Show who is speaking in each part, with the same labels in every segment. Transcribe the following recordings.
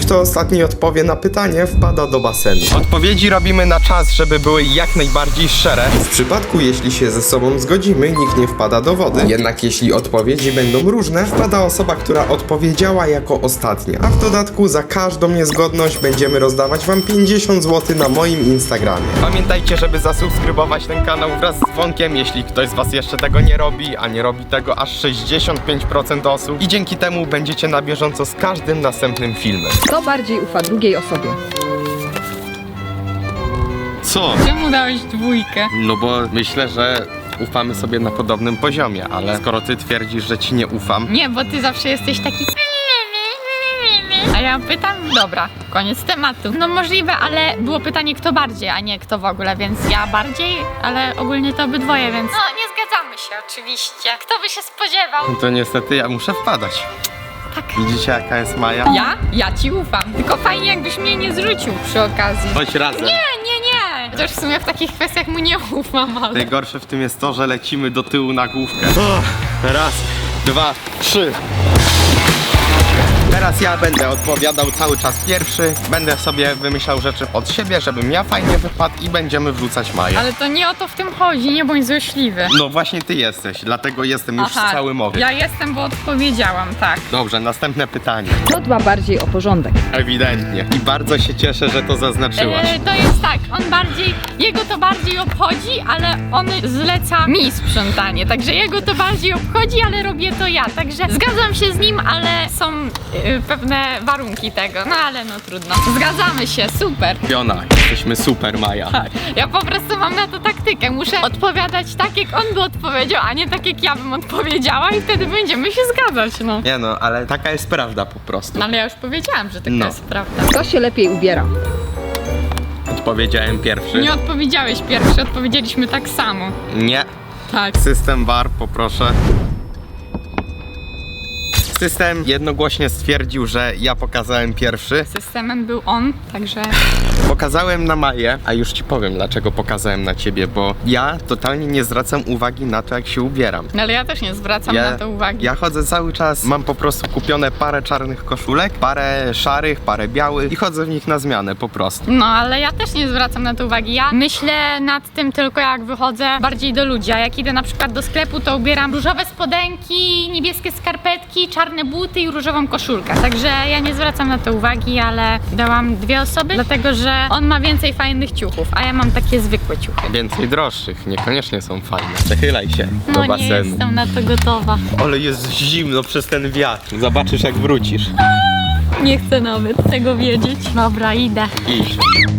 Speaker 1: kto ostatni odpowie na pytanie, wpada do basenu. Odpowiedzi robimy na czas, żeby były jak najbardziej szczere. W przypadku, jeśli się ze sobą zgodzimy, nikt nie wpada do wody. Jednak jeśli odpowiedzi będą różne, wpada osoba, która odpowiedziała jako ostatnia. A w dodatku za każdą niezgodność będziemy rozdawać wam 50 zł na moim Instagramie. Pamiętajcie, żeby zasubskrybować ten kanał wraz z dzwonkiem, jeśli ktoś z was jeszcze tego nie robi, a nie robi tego aż 65% osób. I dzięki temu będziecie na bieżąco z każdym następnym filmem.
Speaker 2: Kto bardziej ufa drugiej osobie?
Speaker 1: Co?
Speaker 3: Czemu dałeś 2?
Speaker 1: No bo myślę, że ufamy sobie na podobnym poziomie, ale skoro ty twierdzisz, że ci nie ufam,
Speaker 3: Nie, bo ty zawsze jesteś taki... A ja pytam, dobra, koniec tematu. No możliwe, ale było pytanie kto bardziej, a nie kto w ogóle, więc ja bardziej, ale ogólnie to obydwoje, więc... No, nie zgadzamy się oczywiście. Kto by się spodziewał?
Speaker 1: to niestety ja muszę wpadać.
Speaker 3: Tak.
Speaker 1: Widzicie, jaka jest Maja?
Speaker 3: Ja ci ufam. Tylko fajnie jakbyś mnie nie zrzucił przy okazji.
Speaker 1: Chodź razem.
Speaker 3: Nie. Chociaż w sumie w takich kwestiach mu nie ufam, ale...
Speaker 1: Najgorsze w tym jest to, że lecimy do tyłu na główkę. Raz, dwa, trzy. Teraz ja będę odpowiadał cały czas pierwszy. Będę sobie wymyślał rzeczy od siebie, żebym ja fajnie wypadł i będziemy wrzucać Maję.
Speaker 3: Ale to nie o to w tym chodzi, nie bądź złośliwy.
Speaker 1: No właśnie ty jesteś, dlatego jestem już cały mowy.
Speaker 3: Ja jestem, bo odpowiedziałam, tak.
Speaker 1: Dobrze, następne pytanie.
Speaker 2: Kto dba bardziej o porządek?
Speaker 1: Ewidentnie. I bardzo się cieszę, że to zaznaczyłaś.
Speaker 3: To jest tak, jego to bardziej obchodzi, ale on zleca mi sprzątanie, także jego to bardziej obchodzi, ale robię to ja, także zgadzam się z nim, ale są pewne warunki tego, no ale no trudno. Zgadzamy się, super.
Speaker 1: Fiona, jesteśmy super, Maja.
Speaker 3: Tak, ja po prostu mam na to taktykę, muszę odpowiadać tak jak on by odpowiedział, a nie tak jak ja bym odpowiedziała i wtedy będziemy się zgadzać, no.
Speaker 1: Nie no, ale taka jest prawda po prostu.
Speaker 3: No ale ja już powiedziałam, że taka
Speaker 1: No.
Speaker 3: jest prawda.
Speaker 2: Kto się lepiej ubiera?
Speaker 1: Odpowiedziałem pierwszy.
Speaker 3: Nie odpowiedziałeś pierwszy, odpowiedzieliśmy tak samo.
Speaker 1: Nie.
Speaker 3: Tak.
Speaker 1: System VAR, poproszę. System jednogłośnie stwierdził, że ja pokazałem pierwszy.
Speaker 3: Systemem był on, także...
Speaker 1: Pokazałem na Maję, a już ci powiem, dlaczego pokazałem na ciebie, bo ja totalnie nie zwracam uwagi na to, jak się ubieram.
Speaker 3: No ale ja też nie zwracam na to uwagi.
Speaker 1: Ja chodzę cały czas, mam po prostu kupione parę czarnych koszulek, parę szarych, parę białych i chodzę w nich na zmianę po prostu.
Speaker 3: No ale ja też nie zwracam na to uwagi. Ja myślę nad tym tylko jak wychodzę bardziej do ludzi. A jak idę na przykład do sklepu, to ubieram różowe spodenki, niebieskie skarpetki, czarne buty i różową koszulkę. Także ja nie zwracam na to uwagi, ale dałam 2 osoby, dlatego że on ma więcej fajnych ciuchów, a ja mam takie zwykłe ciuchy.
Speaker 1: Więcej droższych, niekoniecznie są fajne. Przechylaj się do
Speaker 3: No nie
Speaker 1: basenu.
Speaker 3: jestem na to gotowa.
Speaker 1: Ale jest zimno przez ten wiatr. Zobaczysz, jak wrócisz.
Speaker 3: Nie chcę nawet tego wiedzieć. Dobra, idę.
Speaker 1: Idź.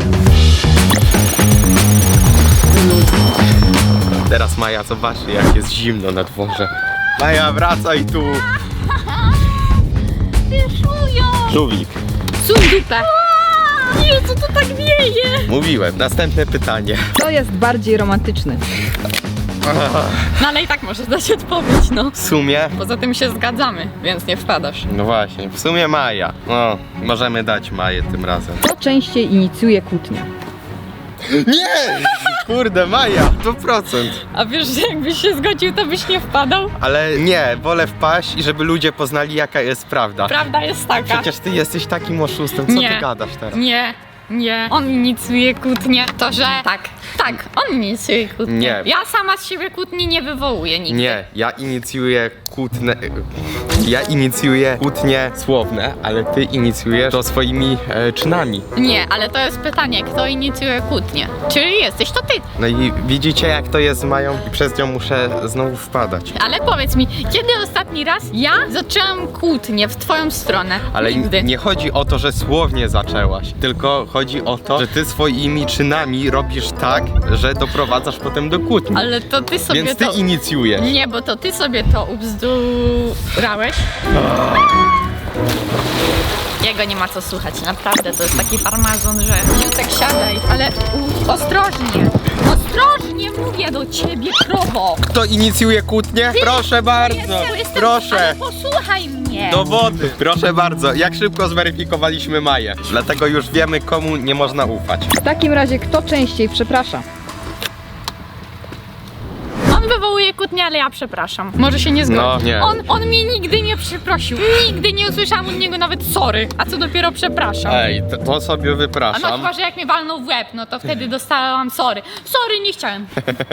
Speaker 1: Teraz Maja zobaczy, jak jest zimno na dworze. Maja, wracaj tu.
Speaker 3: Wyszują!
Speaker 1: Żółwik.
Speaker 3: Suń dupę! Jezu, to tak wieje!
Speaker 1: Mówiłem. Następne pytanie.
Speaker 2: Kto jest bardziej romantyczny?
Speaker 3: No ale i tak możesz dać odpowiedź, no.
Speaker 1: W sumie...
Speaker 3: Poza tym się zgadzamy, więc nie wpadasz.
Speaker 1: No właśnie, w sumie Maja. No, możemy dać Maję tym razem.
Speaker 2: Kto częściej inicjuje kłótnię?
Speaker 1: Nie! Kurde, Maja, 100%.
Speaker 3: A wiesz, że jakbyś się zgodził, to byś nie wpadał?
Speaker 1: Ale nie, wolę wpaść i żeby ludzie poznali, jaka jest prawda.
Speaker 3: Prawda jest taka.
Speaker 1: Przecież ty jesteś takim oszustem, co
Speaker 3: Nie.
Speaker 1: ty gadasz teraz?
Speaker 3: Nie, on inicjuje kłótnię. To, że tak, on inicjuje kłótnię.
Speaker 1: Nie.
Speaker 3: Ja sama z siebie kłótni nie wywołuję nigdy.
Speaker 1: Nie, ja inicjuję kłótnie słowne, ale ty inicjujesz to swoimi czynami.
Speaker 3: Nie, ale to jest pytanie, kto inicjuje kłótnię? Czyli jesteś to ty.
Speaker 1: No i widzicie, jak to jest z Mają i przez nią muszę znowu wpadać.
Speaker 3: Ale powiedz mi, kiedy ostatni raz ja zaczęłam kłótnię w twoją stronę?
Speaker 1: Ale
Speaker 3: Nigdy.
Speaker 1: nie chodzi o to, że słownie zaczęłaś, tylko chodzi o to, że ty swoimi czynami robisz tak, że doprowadzasz potem do kłótni.
Speaker 3: Ale to ty sobie
Speaker 1: Więc ty
Speaker 3: to...
Speaker 1: inicjujesz.
Speaker 3: Nie, bo to ty sobie to ubzdurałeś. Jego nie ma co słuchać, naprawdę, to jest taki farmazon, że Jutek siadaj, ale ostrożnie, ostrożnie mówię do ciebie, krowo.
Speaker 1: Kto inicjuje kłótnię? Proszę bardzo, proszę.
Speaker 3: Ale posłuchaj mnie.
Speaker 1: Do wody. Proszę bardzo, jak szybko zweryfikowaliśmy Maję. Dlatego już wiemy, komu nie można ufać.
Speaker 2: W takim razie kto częściej przeprasza?
Speaker 3: On wywołuje inicjuje kłótnię, ale ja przepraszam. Może się nie zgodzi.
Speaker 1: No, nie.
Speaker 3: On mnie nigdy nie przeprosił. Nigdy nie usłyszałam od niego nawet sorry. A co dopiero przepraszam.
Speaker 1: Ej, to sobie
Speaker 3: A no
Speaker 1: wypraszam.
Speaker 3: chyba, że jak mnie walnął w łeb, no to wtedy dostałam sorry. Sorry, nie chciałem.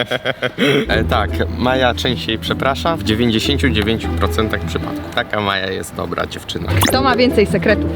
Speaker 1: Tak, Maja częściej przeprasza w 99% przypadków. Taka Maja jest dobra dziewczyna.
Speaker 2: Kto ma więcej sekretów?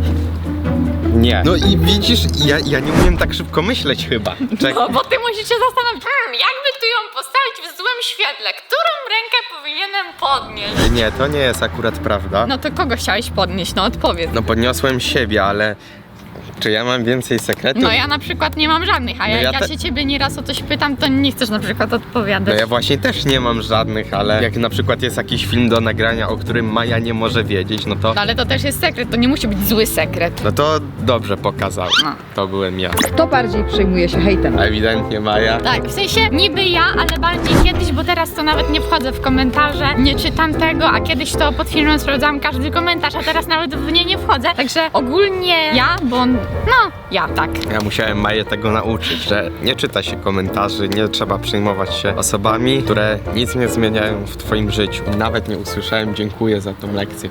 Speaker 1: Nie. No i widzisz, ja nie umiem tak szybko myśleć chyba.
Speaker 3: No, bo ty musisz się zastanowić, jakby tu ją postawić w złym świetle, którą rękę powinienem podnieść?
Speaker 1: Nie, to nie jest akurat prawda.
Speaker 3: No to kogo chciałeś podnieść? No odpowiedz.
Speaker 1: No podniosłem siebie, ale czy ja mam więcej sekretów?
Speaker 3: No ja na przykład nie mam żadnych, a
Speaker 1: No
Speaker 3: jak
Speaker 1: ja
Speaker 3: ja się ciebie nieraz o coś pytam, to nie chcesz na przykład
Speaker 1: No
Speaker 3: odpowiadać.
Speaker 1: ja właśnie też nie mam żadnych, ale jak na przykład jest jakiś film do nagrania, o którym Maja nie może wiedzieć, no to...
Speaker 3: No ale to też jest sekret, to nie musi być zły sekret.
Speaker 1: No to dobrze pokazał.
Speaker 3: No.
Speaker 1: To byłem ja.
Speaker 2: Kto bardziej przejmuje się hejtem?
Speaker 1: Ewidentnie Maja.
Speaker 3: Tak, w sensie niby ja, ale bardziej kiedyś, bo teraz to nawet nie wchodzę w komentarze, nie czytam tego, a kiedyś to pod filmem sprawdzałam każdy komentarz, a teraz nawet w nie wchodzę. Także ogólnie ja, bo no, ja tak.
Speaker 1: Ja musiałem Maję tego nauczyć, że nie czyta się komentarzy, nie trzeba przejmować się osobami, które nic nie zmieniają w twoim życiu. Nawet nie usłyszałem dziękuję za tą lekcję.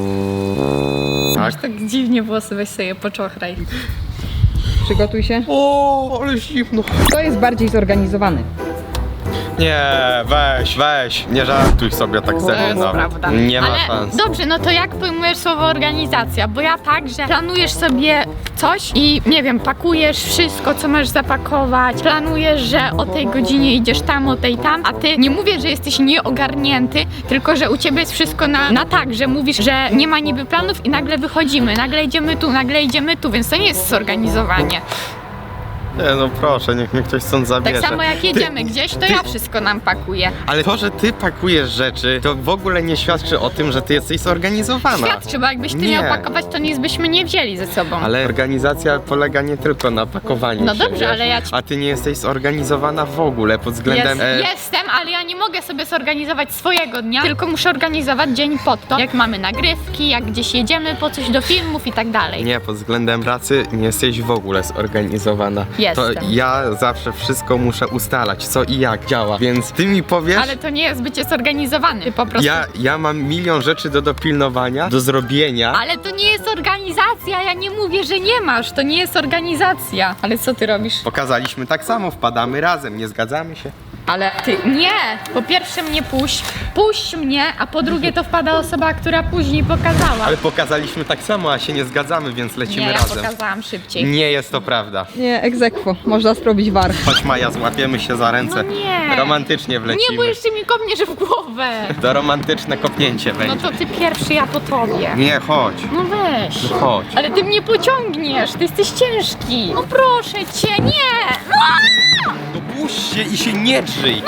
Speaker 1: Tak?
Speaker 3: Tak dziwnie włosy, weź sobie poczochraj.
Speaker 2: Przygotuj się.
Speaker 1: O, ale zimno.
Speaker 2: Kto jest bardziej zorganizowany?
Speaker 1: Nie, weź, nie żartuj sobie tak ze
Speaker 3: To jest
Speaker 1: mną.
Speaker 3: prawda.
Speaker 1: Nie ma
Speaker 3: Ale
Speaker 1: szans.
Speaker 3: dobrze, no to jak pojmujesz słowo organizacja? Bo ja tak, że planujesz sobie coś i nie wiem, pakujesz wszystko, co masz zapakować, planujesz, że o tej godzinie idziesz tam, o tej tam, a ty nie mówię, że jesteś nieogarnięty, tylko że u ciebie jest wszystko na tak, że mówisz, że nie ma niby planów i nagle wychodzimy, nagle idziemy tu, więc to nie jest zorganizowanie.
Speaker 1: Nie, no proszę, niech mnie ktoś stąd zabierze.
Speaker 3: Tak samo jak jedziemy gdzieś, to ja wszystko nam pakuję.
Speaker 1: Ale to, że ty pakujesz rzeczy, to w ogóle nie świadczy o tym, że ty jesteś zorganizowana.
Speaker 3: Świadczy, bo jakbyś ty
Speaker 1: Nie.
Speaker 3: miał pakować, to nic byśmy nie wzięli ze sobą.
Speaker 1: Ale organizacja polega nie tylko na pakowaniu
Speaker 3: No
Speaker 1: się,
Speaker 3: dobrze,
Speaker 1: wiesz?
Speaker 3: ale ja
Speaker 1: A ty nie jesteś zorganizowana w ogóle pod względem...
Speaker 3: Jestem, ale ja nie mogę sobie zorganizować swojego dnia, tylko muszę organizować dzień pod to, jak mamy nagrywki, jak gdzieś jedziemy po coś do filmów i tak dalej.
Speaker 1: Nie, pod względem pracy nie jesteś w ogóle zorganizowana. To
Speaker 3: Jestem.
Speaker 1: ja zawsze wszystko muszę ustalać, co i jak działa, więc ty mi powiesz...
Speaker 3: Ale to nie jest bycie zorganizowany, ty po prostu...
Speaker 1: Ja mam milion rzeczy do dopilnowania, do zrobienia.
Speaker 3: Ale to nie jest organizacja, ja nie mówię, że nie masz, to nie jest organizacja. Ale co ty robisz?
Speaker 1: Pokazaliśmy tak samo, wpadamy razem, nie zgadzamy się?
Speaker 3: Ale ty, nie! Po pierwsze mnie puść mnie, a po drugie to wpada osoba, która później pokazała.
Speaker 1: Ale pokazaliśmy tak samo, a się nie zgadzamy, więc lecimy
Speaker 3: Nie, ja
Speaker 1: razem.
Speaker 3: pokazałam szybciej.
Speaker 1: Nie jest to prawda.
Speaker 2: Nie, egzekwo. Można zrobić war.
Speaker 1: Chodź Maja, złapiemy się za ręce.
Speaker 3: No nie.
Speaker 1: Romantycznie wlecimy.
Speaker 3: Nie, bo jeszcze mi kopniesz w głowę.
Speaker 1: To romantyczne kopnięcie
Speaker 3: No
Speaker 1: będzie.
Speaker 3: to ty pierwszy, ja po tobie.
Speaker 1: Nie, chodź.
Speaker 3: No weź.
Speaker 1: Chodź.
Speaker 3: Ale ty mnie pociągniesz, ty jesteś ciężki. No proszę cię, nie! No!
Speaker 1: No puść się i się nie drzyj.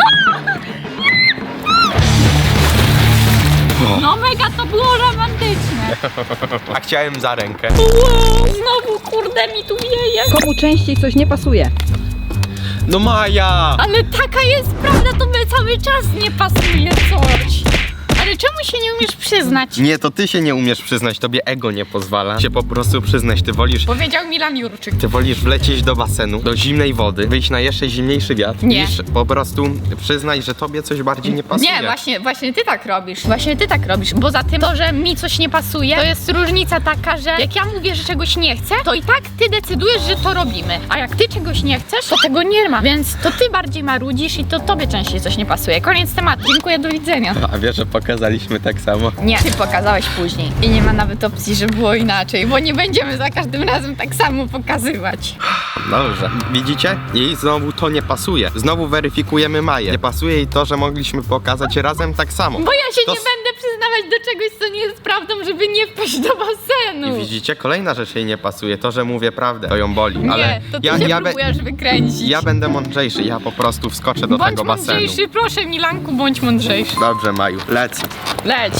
Speaker 3: No mega to było romantyczne.
Speaker 1: A chciałem za rękę.
Speaker 3: Wow, znowu kurde mi tu wieje.
Speaker 2: Komu częściej coś nie pasuje?
Speaker 1: No Maja!
Speaker 3: Ale taka jest prawda, to my cały czas nie pasuje coś. Ale czemu się nie umiesz przyznać?
Speaker 1: Nie, to ty się nie umiesz przyznać, tobie ego nie pozwala się po prostu przyznać.
Speaker 3: Powiedział Milan Jurczyk.
Speaker 1: Ty wolisz wlecieć do basenu, do zimnej wody, wyjść na jeszcze zimniejszy wiatr,
Speaker 3: Nie.
Speaker 1: niż po prostu przyznać, że tobie coś bardziej nie pasuje.
Speaker 3: Nie, właśnie ty tak robisz. Właśnie ty tak robisz. Bo za tym to, że mi coś nie pasuje, to jest różnica taka, że jak ja mówię, że czegoś nie chcę, to i tak ty decydujesz, że to robimy. A jak ty czegoś nie chcesz, to tego nie ma. Więc to ty bardziej marudzisz i to tobie częściej coś nie pasuje. Koniec tematu. Dziękuję, do widzenia.
Speaker 1: A wiesz, że pokazaliśmy tak samo.
Speaker 3: Nie, ty pokazałeś później. I nie ma nawet opcji, że było inaczej, bo nie będziemy za każdym razem tak samo pokazywać.
Speaker 1: Dobrze. Widzicie? Jej znowu to nie pasuje. Znowu weryfikujemy Maję. Nie pasuje jej to, że mogliśmy pokazać razem tak samo.
Speaker 3: Bo ja się
Speaker 1: To
Speaker 3: nie będę przyznawać do czegoś, co nie jest prawdą, żeby nie wpaść do basenu.
Speaker 1: I widzicie? Kolejna rzecz jej nie pasuje. To, że mówię prawdę, to ją boli.
Speaker 3: Nie,
Speaker 1: Ale
Speaker 3: to ty się próbujesz wykręcić.
Speaker 1: ja będę mądrzejszy. Ja po prostu wskoczę do
Speaker 3: Bądź
Speaker 1: tego basenu.
Speaker 3: mądrzejszy, proszę Milanku, bądź mądrzejszy.
Speaker 1: Dobrze, Maju. Lecę.
Speaker 3: Leć.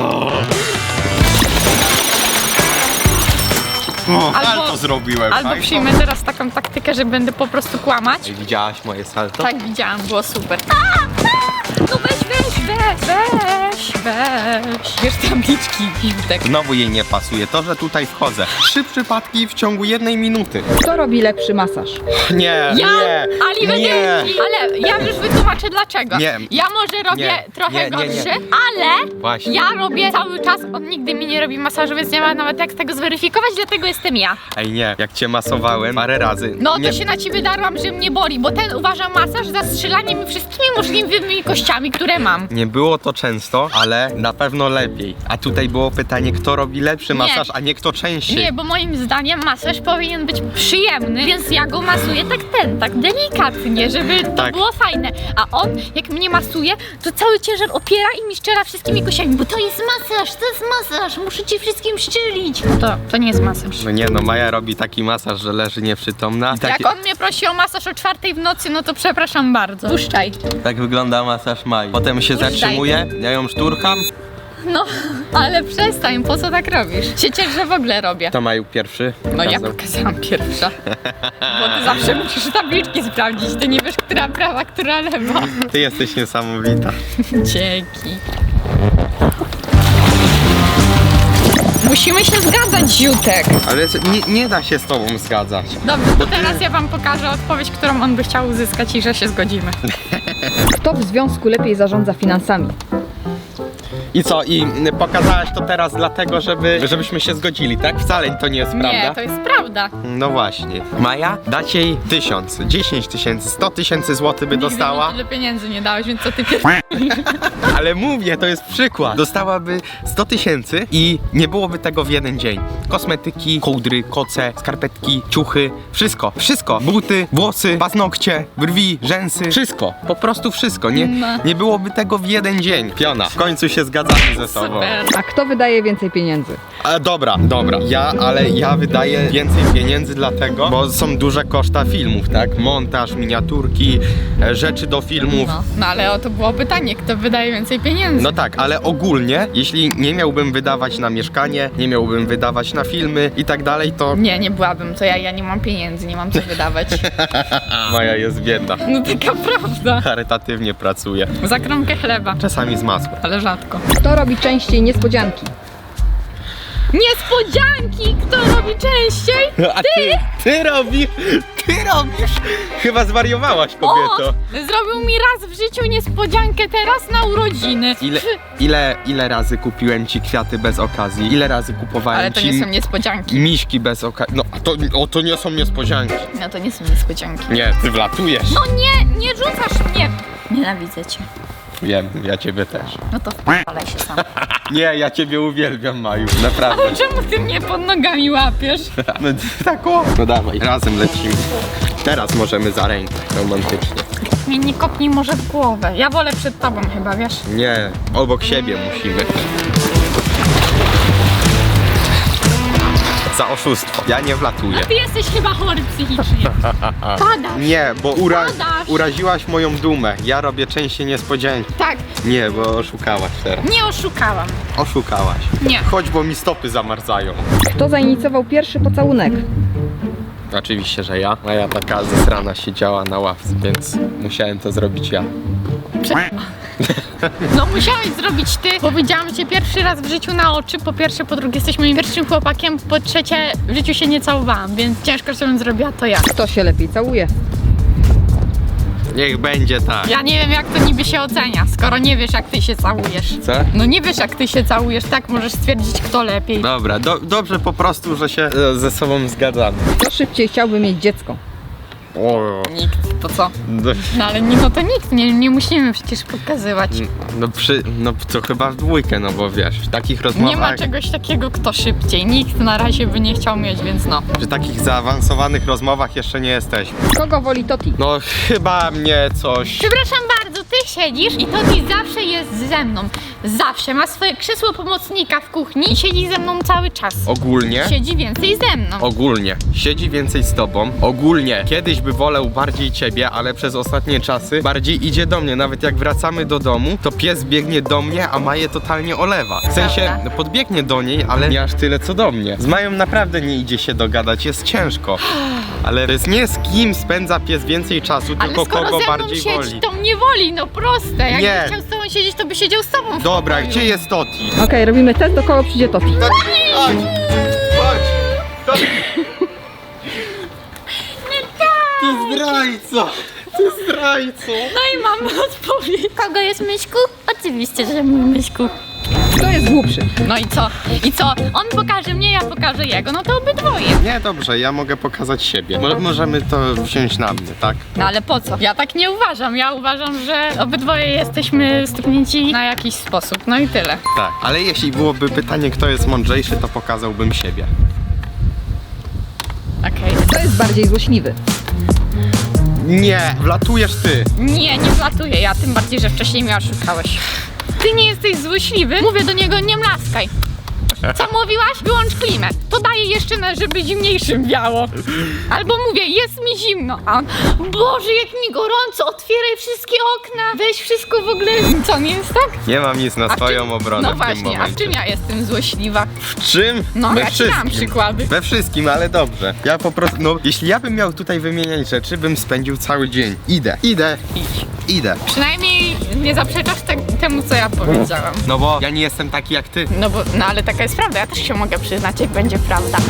Speaker 1: Ale to zrobiłem.
Speaker 3: Albo
Speaker 1: tak?
Speaker 3: przyjmę teraz taką taktykę, że będę po prostu kłamać.
Speaker 1: Widziałaś moje salto?
Speaker 3: Tak, widziałam, było super. No weź, weź. Wiesz tabliczki, Jutek.
Speaker 1: Znowu jej nie pasuje to, że tutaj wchodzę. 3 przypadki w ciągu 1 minuty.
Speaker 2: Kto robi lepszy masaż?
Speaker 1: Nie,
Speaker 3: Ja,
Speaker 1: nie, nie.
Speaker 3: ale ja już wytłumaczę dlaczego.
Speaker 1: Nie.
Speaker 3: Ja może robię
Speaker 1: Nie.
Speaker 3: trochę
Speaker 1: Nie.
Speaker 3: gorszy, ale
Speaker 1: Właśnie.
Speaker 3: ja robię cały czas, on nigdy mi nie robi masażu, więc nie ma nawet jak tego zweryfikować, dlatego jestem ja.
Speaker 1: Ej, nie, jak cię masowałem parę razy.
Speaker 3: No
Speaker 1: nie.
Speaker 3: to się na ciebie darłam, że mnie boli, bo ten uważa masaż za strzelanie mi wszystkimi możliwymi kościami, które mam.
Speaker 1: Nie było to często, ale na pewno lepiej. A tutaj było pytanie, kto robi lepszy masaż, a nie kto częściej.
Speaker 3: Nie, bo moim zdaniem masaż powinien być przyjemny, więc ja go masuję tak delikatnie, żeby to
Speaker 1: Tak.
Speaker 3: było fajne. A on, jak mnie masuje, to cały ciężar opiera i mi szczera wszystkimi kościami, bo to jest masaż, muszę ci wszystkim szczelić. To nie jest masaż.
Speaker 1: No nie, no Maja robi taki masaż, że leży nieprzytomna. I
Speaker 3: Jak on mnie prosi o masaż o 4 w nocy, no to przepraszam bardzo. Puszczaj.
Speaker 1: Tak wygląda masaż Mai. Potem się
Speaker 3: Puszczaj.
Speaker 1: zatrzymuje, ja ją szturcham.
Speaker 3: No, ale przestań, po co tak robisz? Się ciesz, że w ogóle robię.
Speaker 1: To Maju pierwszy.
Speaker 3: No ja
Speaker 1: pokazał.
Speaker 3: pokazałam pierwsza. Bo ty zawsze musisz tabliczki sprawdzić, ty nie wiesz, która prawa, która lewa.
Speaker 1: Ty jesteś niesamowita.
Speaker 3: Dzięki. Musimy się zgadzać, Ziutek.
Speaker 1: Ale nie da się z tobą zgadzać.
Speaker 3: Dobrze, to teraz ja wam pokażę odpowiedź, którą on by chciał uzyskać i że się zgodzimy.
Speaker 2: Kto w związku lepiej zarządza finansami?
Speaker 1: I co? I pokazałaś to teraz dlatego, żebyśmy się zgodzili, tak? Wcale to nie jest prawda.
Speaker 3: Nie, to jest prawda.
Speaker 1: No właśnie. Maja, dać jej 1000, 10 tysięcy, 100 tysięcy złotych by dostała.
Speaker 3: Nigdy mi tyle pieniędzy nie dałeś, więc co ty
Speaker 1: Ale mówię, to jest przykład. Dostałaby 100 tysięcy i nie byłoby tego w jeden dzień. Kosmetyki, kołdry, koce, skarpetki, ciuchy, wszystko. Wszystko. Buty, włosy, paznokcie, brwi, rzęsy. Wszystko. Po prostu wszystko. Nie byłoby tego w jeden dzień. Piona. W końcu się zgadzamy ze sobą.
Speaker 3: Super.
Speaker 2: A kto wydaje więcej pieniędzy?
Speaker 1: Dobra. Ja wydaję więcej pieniędzy dlatego, bo są duże koszta filmów, tak? Montaż, miniaturki, rzeczy do filmów.
Speaker 3: No ale o to było pytanie, kto wydaje więcej pieniędzy.
Speaker 1: No tak, ale ogólnie, jeśli nie miałbym wydawać na mieszkanie, nie miałbym wydawać na filmy i tak dalej, to
Speaker 3: Nie byłabym, to ja nie mam pieniędzy, nie mam co wydawać.
Speaker 1: Maja jest biedna.
Speaker 3: No taka prawda.
Speaker 1: Charytatywnie pracuje.
Speaker 3: Za kromkę chleba,
Speaker 1: Czasami z masłem.
Speaker 3: ale rzadko.
Speaker 2: Kto robi częściej niespodzianki?
Speaker 3: Niespodzianki! Kto robi częściej?
Speaker 1: A ty robisz? Chyba zwariowałaś, kobieto.
Speaker 3: Zrobił mi raz w życiu niespodziankę teraz na urodziny.
Speaker 1: Ile razy kupiłem ci kwiaty bez okazji? Ile razy kupowałem
Speaker 3: Ale to
Speaker 1: ci
Speaker 3: nie są niespodzianki.
Speaker 1: miśki bez okazji? No, to nie są niespodzianki.
Speaker 3: No to nie są niespodzianki.
Speaker 1: Nie, ty wlatujesz.
Speaker 3: No nie rzucasz mnie. Nienawidzę cię.
Speaker 1: Wiem, ja ciebie też.
Speaker 3: No to ale się sam.
Speaker 1: Nie, ja ciebie uwielbiam, Maju. Naprawdę.
Speaker 3: Ale czemu ty mnie pod nogami łapiesz?
Speaker 1: No tak o. No dawaj, razem lecimy. Teraz możemy za rękę, romantycznie.
Speaker 3: Mnie nie kopnij może w głowę. Ja wolę przed tobą chyba, wiesz?
Speaker 1: Nie, obok siebie musimy. Za oszustwo. Ja nie wlatuję.
Speaker 3: Ty jesteś chyba chory psychicznie. Padasz.
Speaker 1: Nie, bo
Speaker 3: Padasz.
Speaker 1: uraziłaś moją dumę. Ja robię częściej niespodzianki.
Speaker 3: Tak,
Speaker 1: Nie, bo oszukałaś teraz.
Speaker 3: nie oszukałam.
Speaker 1: Oszukałaś.
Speaker 3: Nie.
Speaker 1: Chodź, bo mi stopy zamarzają.
Speaker 2: Kto zainicjował pierwszy pocałunek?
Speaker 1: Oczywiście, że ja. A ja taka zesrana siedziała na ławce, więc musiałem to zrobić ja.
Speaker 3: No musiałeś zrobić ty. Powiedziałam cię pierwszy raz w życiu na oczy. Po pierwsze, po drugie jesteś moim pierwszym chłopakiem. Po trzecie, w życiu się nie całowałam, więc ciężko, żebym zrobiła to ja.
Speaker 2: Kto się lepiej całuje?
Speaker 1: Niech będzie tak.
Speaker 3: Ja nie wiem, jak to niby się ocenia, skoro nie wiesz, jak ty się całujesz.
Speaker 1: Co?
Speaker 3: No nie wiesz, jak ty się całujesz, tak możesz stwierdzić, kto lepiej.
Speaker 1: Dobra, dobrze po prostu, że się ze sobą zgadzamy.
Speaker 2: Kto szybciej chciałby mieć dziecko?
Speaker 1: O,
Speaker 3: Nikt, to co?
Speaker 1: no,
Speaker 3: No ale no to nikt, nie musimy przecież pokazywać.
Speaker 1: no to chyba w dwójkę, no bo wiesz, w takich rozmowach,
Speaker 3: Nie ma czegoś takiego, kto szybciej. Nikt na razie by nie chciał mieć, więc no.
Speaker 1: w takich zaawansowanych rozmowach jeszcze nie jesteśmy.
Speaker 2: Kogo woli Toti?
Speaker 1: No chyba mnie coś...
Speaker 3: Przepraszam bardzo, ty siedzisz i Toti zawsze jest ze mną. Zawsze ma swoje krzesło pomocnika w kuchni i siedzi ze mną cały czas.
Speaker 1: Ogólnie?
Speaker 3: Siedzi więcej ze mną.
Speaker 1: Ogólnie. Siedzi więcej z tobą. Ogólnie. Kiedyś by wolał bardziej ciebie, ale przez ostatnie czasy bardziej idzie do mnie. Nawet jak wracamy do domu, to pies biegnie do mnie, a Maję totalnie olewa. W sensie
Speaker 3: Prawda.
Speaker 1: podbiegnie do niej, ale nie aż tyle co do mnie. Z Mają naprawdę nie idzie się dogadać, jest ciężko. Ale to jest nie z kim spędza pies więcej czasu,
Speaker 3: Ale
Speaker 1: tylko
Speaker 3: skoro
Speaker 1: kogo
Speaker 3: ze mną
Speaker 1: bardziej
Speaker 3: siedzi,
Speaker 1: woli.
Speaker 3: to mnie woli, no proste. Jakby
Speaker 1: Nie.
Speaker 3: chciał z tobą siedzieć, to by siedział z tobą w
Speaker 1: Dobra,
Speaker 3: pokoju.
Speaker 1: gdzie jest Toti?
Speaker 2: Okej, robimy test, do kogo przyjdzie Toti.
Speaker 1: Chodź! Chodź! Toti! Ty zdrajco! Ty zdrajco!
Speaker 3: No i mamy odpowiedź. Kogo jest Myśku? Oczywiście, że mój Myśku.
Speaker 2: Kto jest głupszy?
Speaker 3: No i co? I co? On pokaże mnie, ja pokażę jego. No to obydwoje.
Speaker 1: Nie, dobrze, ja mogę pokazać siebie. Możemy to wziąć na mnie, tak?
Speaker 3: No ale po co? Ja tak nie uważam. Ja uważam, że obydwoje jesteśmy stuknięci na jakiś sposób. No i tyle.
Speaker 1: Tak. Ale jeśli byłoby pytanie, kto jest mądrzejszy, to pokazałbym siebie.
Speaker 3: Okej.
Speaker 2: Kto jest bardziej złośliwy?
Speaker 1: Nie, wlatujesz ty.
Speaker 3: Nie wlatuję ja, tym bardziej, że wcześniej mnie oszukałeś. Ty nie jesteś złośliwy? Mówię do niego, nie mlaskaj. Co mówiłaś? Wyłącz klimę. To daje jeszcze, żeby zimniejszym wiało. Albo mówię, jest mi zimno. A on, Boże, jak mi gorąco, otwieraj wszystkie okna. Weź wszystko w ogóle. Co, nie jest tak?
Speaker 1: Nie mam nic na
Speaker 3: A w
Speaker 1: swoją
Speaker 3: czym-
Speaker 1: obronę
Speaker 3: No
Speaker 1: w tym
Speaker 3: właśnie, a w
Speaker 1: momencie.
Speaker 3: czym ja jestem złośliwa?
Speaker 1: W czym?
Speaker 3: No,
Speaker 1: We
Speaker 3: ja ci dam
Speaker 1: wszystkim.
Speaker 3: przykłady.
Speaker 1: We wszystkim, ale dobrze. Ja po prostu, no, jeśli ja bym miał tutaj wymieniać rzeczy, bym spędził cały dzień. Idę.
Speaker 3: Przynajmniej nie zaprzeczasz temu, co ja powiedziałam.
Speaker 1: No bo ja nie jestem taki jak ty.
Speaker 3: No ale taka jest prawda, ja też się mogę przyznać, jak będzie prawda.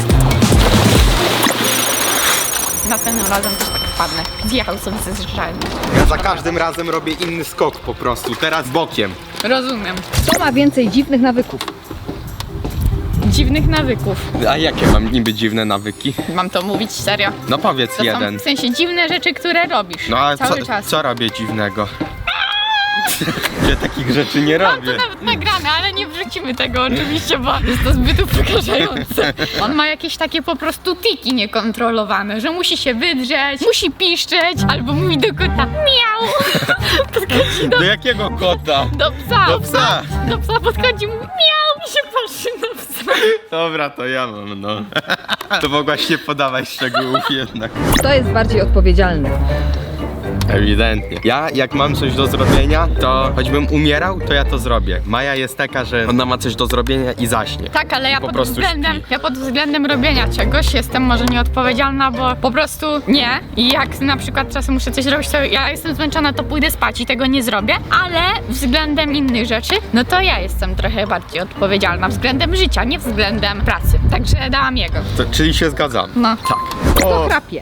Speaker 3: Następnym razem też tak wpadnę. Zjechał sobie ze zjeżdżalni.
Speaker 1: Ja za każdym razem robię inny skok po prostu. Teraz bokiem.
Speaker 3: Rozumiem.
Speaker 2: Kto ma więcej dziwnych nawyków?
Speaker 3: Dziwnych nawyków.
Speaker 1: A jakie mam niby dziwne nawyki?
Speaker 3: Mam to mówić serio.
Speaker 1: No powiedz
Speaker 3: To
Speaker 1: jeden.
Speaker 3: są w sensie dziwne rzeczy, które robisz.
Speaker 1: No a
Speaker 3: cały czas.
Speaker 1: co robię dziwnego? Ja takich rzeczy nie
Speaker 3: Mam to
Speaker 1: robię.
Speaker 3: nawet nagrane, ale nie wrzucimy tego oczywiście, bo jest to zbyt upokarzające. On ma jakieś takie po prostu tiki niekontrolowane, że musi się wydrzeć, musi piszczeć, albo mówi do kota miau. Podchodzi
Speaker 1: Do jakiego kota?
Speaker 3: do psa.
Speaker 1: Do psa.
Speaker 3: Do psa podchodzi, mówi miau i się patrzy na psa.
Speaker 1: Dobra, to ja mam, no. To mogłaś nie podawać szczegółów jednak.
Speaker 2: Kto jest bardziej odpowiedzialny?
Speaker 1: Ewidentnie. Ja jak mam coś do zrobienia, to choćbym umierał, to ja to zrobię. Maja jest taka, że ona ma coś do zrobienia i zaśnie.
Speaker 3: Tak, ale ja
Speaker 1: Po
Speaker 3: pod,
Speaker 1: prostu
Speaker 3: względem,
Speaker 1: śpi.
Speaker 3: ja pod względem robienia czegoś jestem może nieodpowiedzialna, bo po prostu nie. I jak na przykład czasem muszę coś robić, to ja jestem zmęczona, to pójdę spać i tego nie zrobię. Ale względem innych rzeczy, no to ja jestem trochę bardziej odpowiedzialna względem życia, nie względem pracy. Także dałam jego.
Speaker 1: Czyli się zgadzam.
Speaker 3: No,
Speaker 1: Tak.
Speaker 2: Kto
Speaker 1: O,
Speaker 2: chrapie?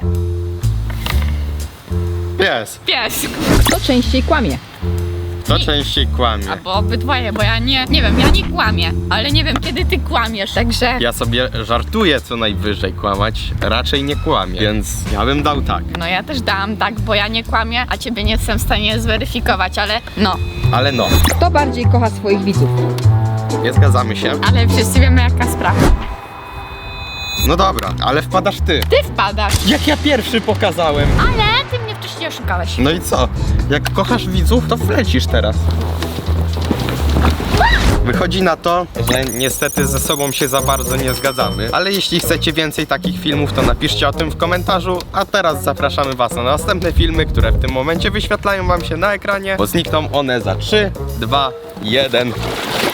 Speaker 1: pies.
Speaker 3: pies.
Speaker 2: Kto częściej kłamie?
Speaker 1: To częściej kłamie.
Speaker 3: Albo obydwoje, bo ja nie wiem, ja nie kłamię, ale nie wiem kiedy ty kłamiesz, także...
Speaker 1: Ja sobie żartuję co najwyżej kłamać, raczej nie kłamię, więc ja bym dał tak.
Speaker 3: No ja też dałam tak, bo ja nie kłamię, a ciebie nie jestem w stanie zweryfikować, ale no.
Speaker 1: Ale no,
Speaker 2: Kto bardziej kocha swoich widzów?
Speaker 1: nie zgadzamy się.
Speaker 3: Ale wszyscy wiemy jaka sprawa.
Speaker 1: No dobra, ale wpadasz ty.
Speaker 3: Ty wpadasz,
Speaker 1: Jak ja pierwszy pokazałem.
Speaker 3: ale ty mnie wcześniej oszukałeś.
Speaker 1: No i co? Jak kochasz widzów, to wlecisz teraz. Wychodzi na to, że niestety ze sobą się za bardzo nie zgadzamy, ale jeśli chcecie więcej takich filmów, to napiszcie o tym w komentarzu, a teraz zapraszamy was na następne filmy, które w tym momencie wyświetlają wam się na ekranie, bo znikną one za 3, 2, 1.